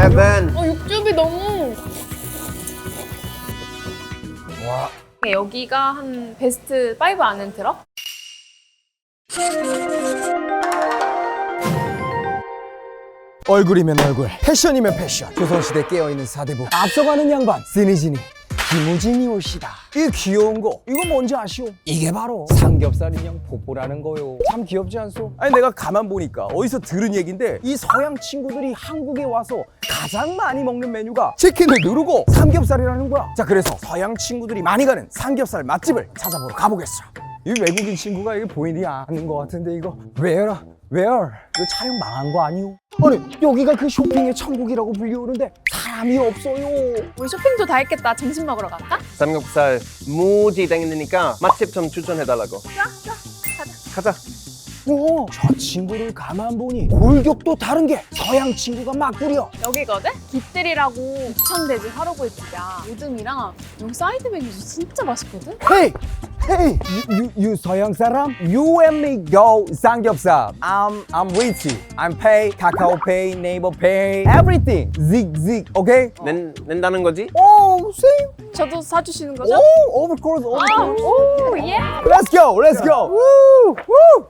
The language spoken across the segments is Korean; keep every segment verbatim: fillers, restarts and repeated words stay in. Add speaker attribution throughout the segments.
Speaker 1: 헤븐.
Speaker 2: 어, 육즙이 너무.
Speaker 1: 와.
Speaker 2: 여기가 한 베스트 오 안에 들어?
Speaker 3: 얼굴이면 얼굴, 패션이면 패션. 조선시대 깨어있는 사대부 앞서가는 양반 시니지니 김우진이 오시다. 이 귀여운 거 이거 뭔지 아시오? 이게 바로 삼겹살 인형 포포라는 거요. 참 귀엽지 않소? 아니 내가 가만 보니까 어디서 들은 얘긴데 이 서양 친구들이 한국에 와서 가장 많이 먹는 메뉴가 치킨을 누르고 삼겹살이라는 거야. 자, 그래서 서양 친구들이 많이 가는 삼겹살 맛집을 찾아보러 가보겠어. 이 외국인 친구가 이게 보이지 않는 것 같은데 이거 Where? Where? 이거 촬영 망한 거 아니오? 아니 여기가 그 쇼핑의 천국이라고 불리우는데 사람이 없어요.
Speaker 2: 우리 쇼핑도 다 했겠다. 점심 먹으러 갈까?
Speaker 1: 삼겹살 무지 땡기니까 맛집 좀 추천해달라고.
Speaker 2: 좋아, 좋아. 가자.
Speaker 1: 가자.
Speaker 3: 어, 저 친구를 가만 보니 골격도 다른 게 서양 친구가 막 부려.
Speaker 2: 여기거든? 깃들이라고 부천돼지 화로구이집이야. 오뎅이랑 여기 사이드 메뉴도 진짜 맛있거든?
Speaker 3: Hey, hey, you, you, you 서양 사람? You and me go 삼겹살. I'm, I'm rich. I'm pay, 카카오 pay, 네이버 pay, everything. Zig, zig, okay?
Speaker 1: 낸, 낸다는 거지?
Speaker 3: Oh, same.
Speaker 2: 저도 사주시는 거죠?
Speaker 3: Oh, of course, of
Speaker 2: 아,
Speaker 3: course.
Speaker 2: 오, 예!
Speaker 3: Let's go, let's go. Woo, woo.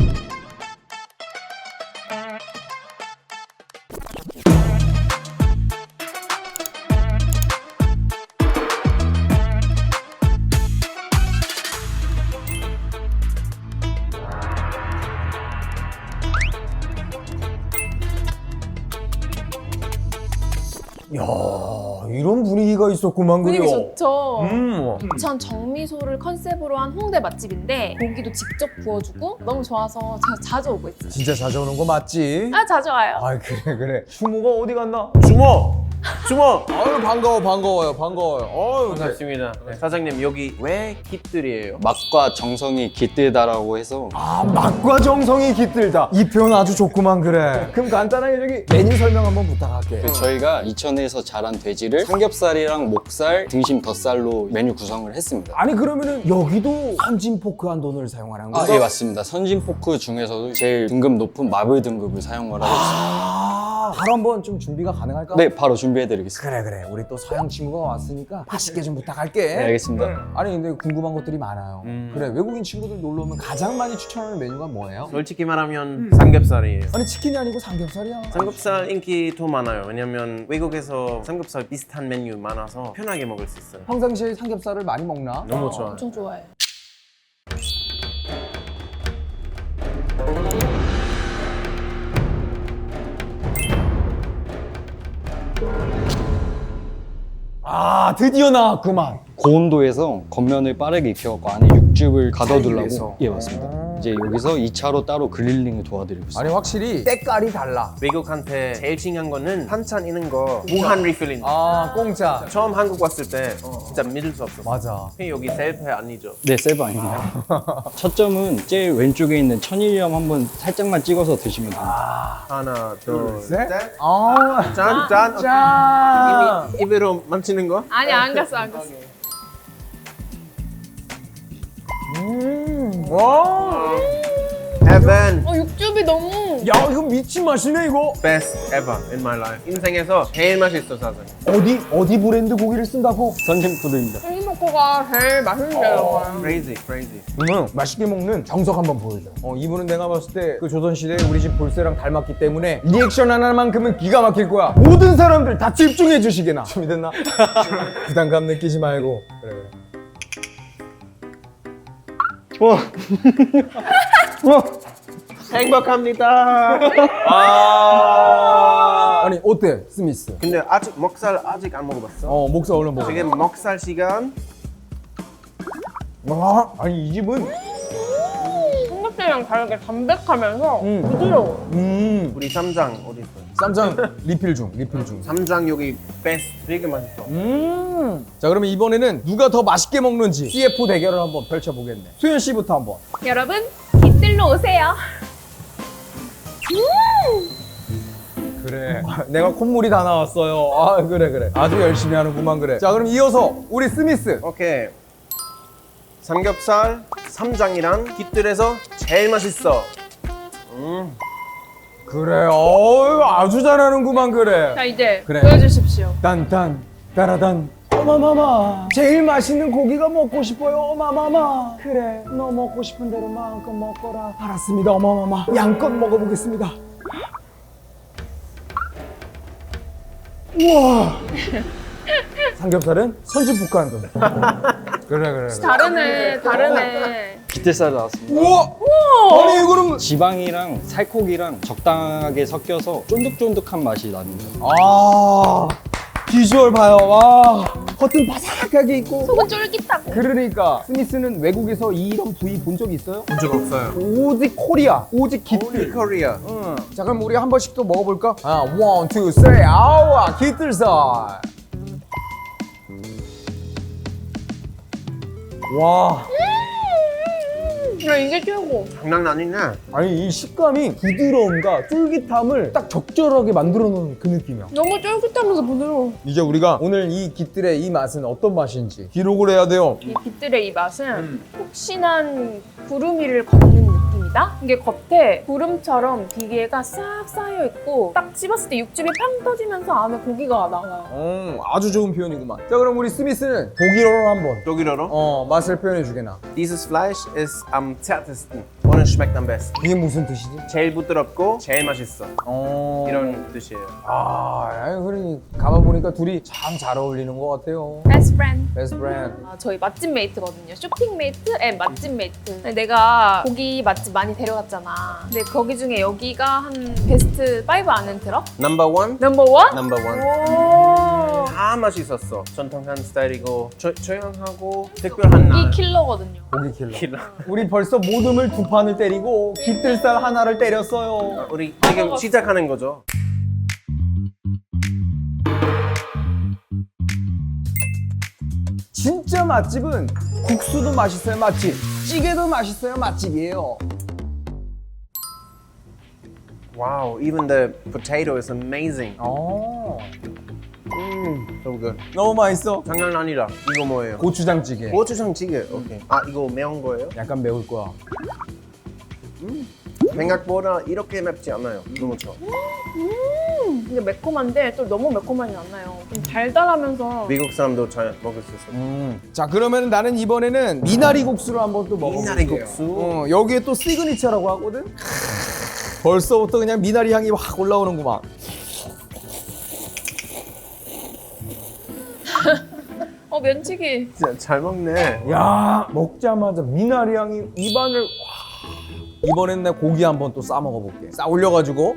Speaker 3: 야, 이런 분위기가 있었구만.
Speaker 2: 분위기
Speaker 3: 그래요.
Speaker 2: 좋죠?
Speaker 3: 음.
Speaker 2: 부천 정미소를 컨셉으로 한 홍대 맛집인데 고기도 직접 구워주고 너무 좋아서 제가 자주 오고 있어요.
Speaker 3: 진짜 자주 오는 거 맞지?
Speaker 2: 아, 자주 와요.
Speaker 3: 아, 그래 그래. 추모가 어디 갔나?
Speaker 1: 주모! 주모!
Speaker 3: 아유 반가워 반가워요 반가워요. 아유
Speaker 1: 반갑습니다. 네, 사장님 여기 왜 깃들이에요?
Speaker 4: 맛과 정성이 깃들다라고 해서
Speaker 3: 아, 맛과 정성이 깃들다. 이 표현 아주 좋구만. 그래. 그럼 간단하게 저기 메뉴 설명 한번 부탁할게.
Speaker 4: 그 저희가 이천에서 자란 돼지를 삼겹살이랑 목살, 등심, 덧살로 메뉴 구성을 했습니다.
Speaker 3: 아니 그러면은 여기도 선진 포크 한 돈을 사용하는
Speaker 4: 아,
Speaker 3: 거야?
Speaker 4: 예, 맞습니다. 선진 포크 중에서도 제일 등급 높은 마블 등급을 사용을 하고 있습니다.
Speaker 3: 아, 바로 한번 좀 준비가 가능할까?
Speaker 4: 네, 바로 준비해드리겠습니다.
Speaker 3: 그래 그래. 우리 또 서양 친구가 왔으니까 맛있게 좀 부탁할게.
Speaker 4: 네, 알겠습니다.
Speaker 3: 아니 근데 궁금한 것들이 많아요.
Speaker 1: 음.
Speaker 3: 그래, 외국인 친구들 놀러 오면 가장 많이 추천하는 메뉴가 뭐예요?
Speaker 1: 솔직히 말하면 삼겹살이에요.
Speaker 3: 아니 치킨이 아니고 삼겹살이야.
Speaker 1: 삼겹살 인기 더 많아요. 왜냐면 외국에서 삼겹살 비슷한 메뉴 많아서 편하게 먹을 수 있어요.
Speaker 3: 평상시에 삼겹살을 많이 먹나?
Speaker 1: 너무 좋아요.
Speaker 2: 엄청 좋아해요.
Speaker 3: 아, 드디어 나왔구만.
Speaker 4: 고온도에서 겉면을 빠르게 익혀갖고 안에 육즙을
Speaker 1: 위해서?
Speaker 4: 가둬두려고. 예, 맞습니다. 이제 여기서 이 차로 따로 그릴링을 도와드리고 있습니다.
Speaker 3: 아니 확실히 때깔이 달라.
Speaker 1: 외국한테 제일 중요한 거는 반찬 있는 거 무한 리필인.
Speaker 3: 아, 공짜.
Speaker 1: 처음 한국 왔을 때 진짜 믿을 수 없어.
Speaker 3: 맞아.
Speaker 1: 여기 셀프 아니죠?
Speaker 4: 네, 셀프 아닙니다. 첫 점은 제일 왼쪽에 있는 천일염 한번 살짝만 찍어서 드시면 됩니다.
Speaker 1: 하나, 둘,
Speaker 3: 셋.
Speaker 1: 셋.
Speaker 3: 아,
Speaker 1: 짠, 짠.
Speaker 3: 짠.
Speaker 1: 이미 입으로 만지는 거?
Speaker 2: 아니, 안 갔어, 안 갔어.
Speaker 3: 음, 와.
Speaker 1: Heaven.
Speaker 2: 어, 육즙이 너무.
Speaker 3: 야, 이거 미친 맛이네 이거.
Speaker 1: Best ever in my life. 인생에서 제일 맛있어, 사장님.
Speaker 3: 어디 어디 브랜드 고기를 쓴다고?
Speaker 4: 선진푸드입니다.
Speaker 2: 생이버거가 제일 맛있는데요.
Speaker 1: Crazy, crazy.
Speaker 3: 그러면 맛있게 먹는 정석 한번 보여줘. 어, 이분은 내가 봤을 때 그 조선시대 우리 집 볼세랑 닮았기 때문에 리액션 하나만큼은 기가 막힐 거야. 모든 사람들 다 집중해 주시게나. 준비됐나? 부담감 느끼지 말고. 그래 그래.
Speaker 4: 와,
Speaker 3: 어.
Speaker 1: 행복합니다.
Speaker 3: 아. 아니 어때 스미스?
Speaker 1: 근데 아직 먹살 아직 안 먹어봤어.
Speaker 3: 어, 목사 얼른 먹어.
Speaker 1: 지금 먹살 시간.
Speaker 3: 와, 아니 이 집은
Speaker 2: 삼겹살이랑 다르게 담백하면서
Speaker 3: 음.
Speaker 2: 부드러워.
Speaker 3: 음
Speaker 1: 우리 쌈장 어디 있어?
Speaker 3: 쌈장 리필 중 리필 중.
Speaker 1: 쌈장 여기 베스트 되게 맛있어.
Speaker 3: 음. 자, 그러면 이번에는 누가 더 맛있게 먹는지 씨에프 대결을 한번 펼쳐보겠네. 수현 씨부터 한번.
Speaker 2: 여러분, 깃들로 오세요.
Speaker 3: 그래. 내가 콧물이 다 나왔어요. 아, 그래 그래. 아주 열심히 하는구만. 그래. 자, 그럼 이어서 우리 스미스.
Speaker 1: 오케이. 삼겹살 쌈장이랑 깃들에서 제일 맛있어. 음.
Speaker 3: 그래, 어 아주 잘하는구만 그래.
Speaker 2: 자 이제
Speaker 3: 그래.
Speaker 2: 보여주십시오.
Speaker 3: 딴딴 따라단 어마마마 제일 맛있는 고기가 먹고 싶어요 어마마마. 그래 너 먹고 싶은 대로 마음껏 먹거라. 알았습니다 어마마마. 양껏 먹어보겠습니다. 우와. 삼겹살은 선진국간도. 그래 그래 그래.
Speaker 2: 다르네, 다르네.
Speaker 4: 깃들살 나왔습니다.
Speaker 3: 우와. 아니 이거는
Speaker 4: 지방이랑 살코기랑 적당하게 섞여서 쫀득쫀득한 맛이 납니다.
Speaker 3: 아 비주얼 봐요. 와 겉은 바삭하게 있고.
Speaker 2: 속은 쫄깃하고.
Speaker 3: 그러니까 스미스는 외국에서 이런 부위 본 적 있어요?
Speaker 1: 본 적 없어요.
Speaker 3: 오직 코리아, 오직 깃들.
Speaker 1: 코리아.
Speaker 3: 응. 자 그럼 우리 한 번씩 또 먹어볼까? 아, 원, 투, 쓰리, 아우와 깃들살. 와,
Speaker 2: 야 이게 최고.
Speaker 1: 장난 아니네.
Speaker 3: 아니 이 식감이 부드러움과 쫄깃함을 딱 적절하게 만들어 놓은 그 느낌이야.
Speaker 2: 너무 쫄깃하면서 부드러워.
Speaker 3: 이제 우리가 오늘 이 깃들의 이 맛은 어떤 맛인지 기록을 해야 돼요.
Speaker 2: 이 깃들의 이 맛은 폭신한 구름 위를 걷는 느낌이다. 이게 겉에 구름처럼 비계가 싹 쌓여 있고 딱 씹었을 때 육즙이 팡 터지면서 안에 고기가 나와요.
Speaker 3: 음, 아주 좋은 표현이구만. 자 그럼 우리 스미스는 독일어로 한번
Speaker 1: 독일어로?
Speaker 3: 어 맛을 표현해 주게나.
Speaker 1: Dieses Fleisch ist am zärtesten und es schmeckt am besten.
Speaker 3: 이게 무슨 뜻이지?
Speaker 1: 제일 부드럽고 제일 맛있어.
Speaker 3: 어.
Speaker 1: 이런 뜻이에요.
Speaker 3: 아, 아니, 그러니 가만 보니까 둘이 참 잘 어울리는 것 같아요.
Speaker 2: Best friend.
Speaker 3: 베스트 프렌드.
Speaker 2: 아, 저희 맛집 메이트거든요. 쇼핑 메이트 앤 맛집 메이트. 내가 고기 맛집 많이 데려갔잖아. 근데 거기 중에 여기가 한 베스트 파이브 안에 들어?
Speaker 1: Number one?
Speaker 2: 넘버 원?
Speaker 1: Number one.
Speaker 2: 오.
Speaker 1: 다 맛있었어. 전통한 스타일이고 조, 조용하고 특별한 날.
Speaker 2: 이 킬러거든요.
Speaker 3: 고기 킬러.
Speaker 1: 킬러.
Speaker 3: 우리 벌써 모듬을 두 판을 때리고 깃들살 하나를 때렸어요.
Speaker 1: 우리 지금 시작하는 거죠.
Speaker 3: 진짜 맛집은 국수도 맛있어요 맛집, 찌개도 맛있어요 맛집이에요.
Speaker 1: Wow, even the potato is amazing.
Speaker 3: 어,
Speaker 1: 음, so good.
Speaker 3: 너무 맛있어.
Speaker 1: 장난 아니다. 이거 뭐예요?
Speaker 3: 고추장찌개.
Speaker 1: 고추장찌개. 오케이. 아, 이거 매운 거예요?
Speaker 3: 약간 매울 거야.
Speaker 1: 생각보다 이렇게 맵지 않아요. 너무 좋아.
Speaker 2: 근데 매콤한데 또 너무 매콤하진 않나요. 좀 달달하면서
Speaker 1: 미국 사람도 잘 먹을 수 있어요.
Speaker 3: 음. 자 그러면 나는 이번에는 미나리 국수를 한번 또 먹어볼게요.
Speaker 1: 미나리 국수?
Speaker 3: 어, 여기에 또 시그니처라고 하거든. 벌써부터 그냥 미나리 향이 확 올라오는구만.
Speaker 2: 어 면치기.
Speaker 1: 진짜 잘 먹네.
Speaker 3: 야 먹자마자 미나리 향이 입안을. 와. 이번엔 내 고기 한번 또 싸 먹어볼게. 싸 올려가지고.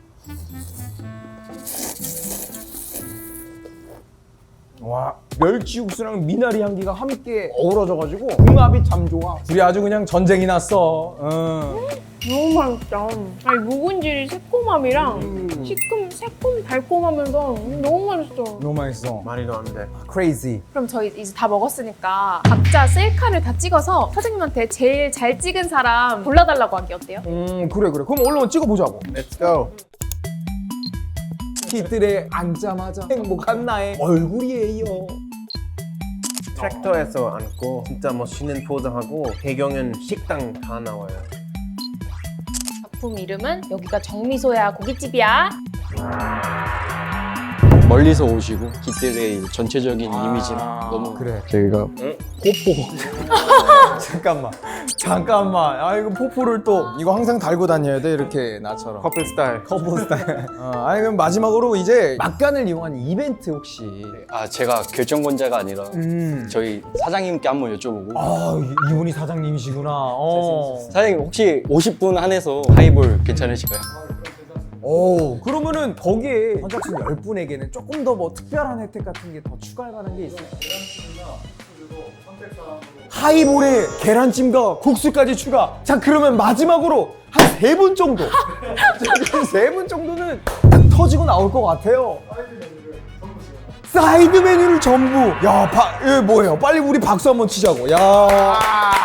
Speaker 3: 와 멸치 육수랑 미나리 향기가 함께 어우러져가지고 궁합이 참 좋아. 둘이 아주 그냥 전쟁이 났어. 어.
Speaker 2: 너무 맛있다. 아니 묵은지 새콤함이랑
Speaker 1: 음.
Speaker 2: 시큼 새콤 달콤하면서 너무 맛있어.
Speaker 3: 너무 맛있어.
Speaker 1: 말이도 안 돼.
Speaker 3: 크레이지.
Speaker 2: 그럼 저희 이제 다 먹었으니까 각자 셀카를 다 찍어서 사장님한테 제일 잘 찍은 사람 골라달라고 하기 어때요?
Speaker 3: 음 그래 그래. 그럼 얼른 찍어보자고.
Speaker 1: Let's go.
Speaker 3: 깃들에 앉자마자 행복한 나의 얼굴이에요.
Speaker 1: 트랙터에서 앉고 진짜 멋있는 포즈하고 배경은 식당 다 나와요.
Speaker 2: 작품 이름은 여기가 정미소야 고깃집이야.
Speaker 4: 멀리서 오시고 깃들의 전체적인 이미지랑 너무
Speaker 3: 그래.
Speaker 4: 저희가
Speaker 3: 포포. 잠깐만. 잠깐만. 아 이거 포포를 또 이거 항상 달고 다녀야 돼 이렇게 나처럼.
Speaker 1: 커플 스타일.
Speaker 3: 커플 스타일. 어, 아니 그럼 마지막으로 이제 막간을 이용한 이벤트 혹시.
Speaker 4: 아 제가 결정권자가 아니라
Speaker 3: 음.
Speaker 4: 저희 사장님께 한번 여쭤보고
Speaker 3: 아 이- 이분이 사장님이시구나. 어.
Speaker 4: 사장님 혹시 오십 분 한해서 하이볼 괜찮으실까요?
Speaker 3: 오 그러면은 거기에 선착순 열 분에게는 조금 더 뭐 특별한 혜택 같은 게 더 추가할 만한 게 있어요? 하이볼에 계란찜과 국수까지 추가. 자 그러면 마지막으로 한 세 분 정도 세 분 정도는 딱 터지고 나올 것 같아요. 사이드 메뉴를 전부. 야, 바, 예, 뭐예요? 빨리 우리 박수 한번 치자고. 야.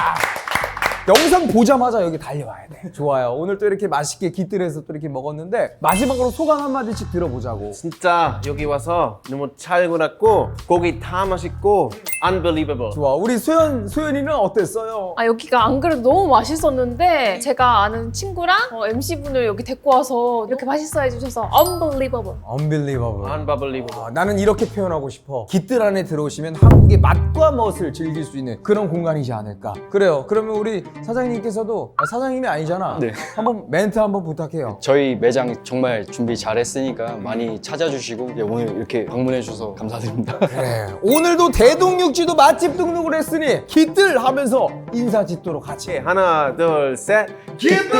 Speaker 3: 영상 보자마자 여기 달려와야 돼. 좋아요. 오늘 또 이렇게 맛있게 깃들여서 또 이렇게 먹었는데 마지막으로 소감 한마디씩 들어보자고.
Speaker 1: 진짜 여기 와서 너무 잘 골랐고 고기 다 맛있고 Unbelievable.
Speaker 3: 좋아. 우리 소연 소연이는 어땠어요?
Speaker 2: 아 여기가 안 그래도 너무 맛있었는데 제가 아는 친구랑 어, 엠씨분을 여기 데리고 와서 이렇게 맛있어 해주셔서 unbelievable.
Speaker 3: Unbelievable.
Speaker 1: Unbelievable.
Speaker 3: 아, 나는 이렇게 표현하고 싶어. 깃들 안에 들어오시면 한국의 맛과 멋을 즐길 수 있는 그런 공간이지 않을까. 그래요. 그러면 우리 사장님께서도 아, 사장님이 아니잖아.
Speaker 4: 네.
Speaker 3: 한번 멘트 한번 부탁해요.
Speaker 4: 저희 매장 정말 준비 잘했으니까 많이 찾아주시고 예, 오늘 이렇게 방문해 주셔서 감사드립니다.
Speaker 3: 그래. 오늘도 대동육지도 맛집 등록을 했으니 깃들 하면서 인사 짓도록 하지.
Speaker 1: 네, 하나, 둘, 셋. 깃들!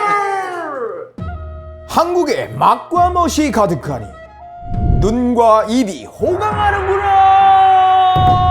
Speaker 3: 한국의 맛과 멋이 가득하니 눈과 입이 호강하는구나.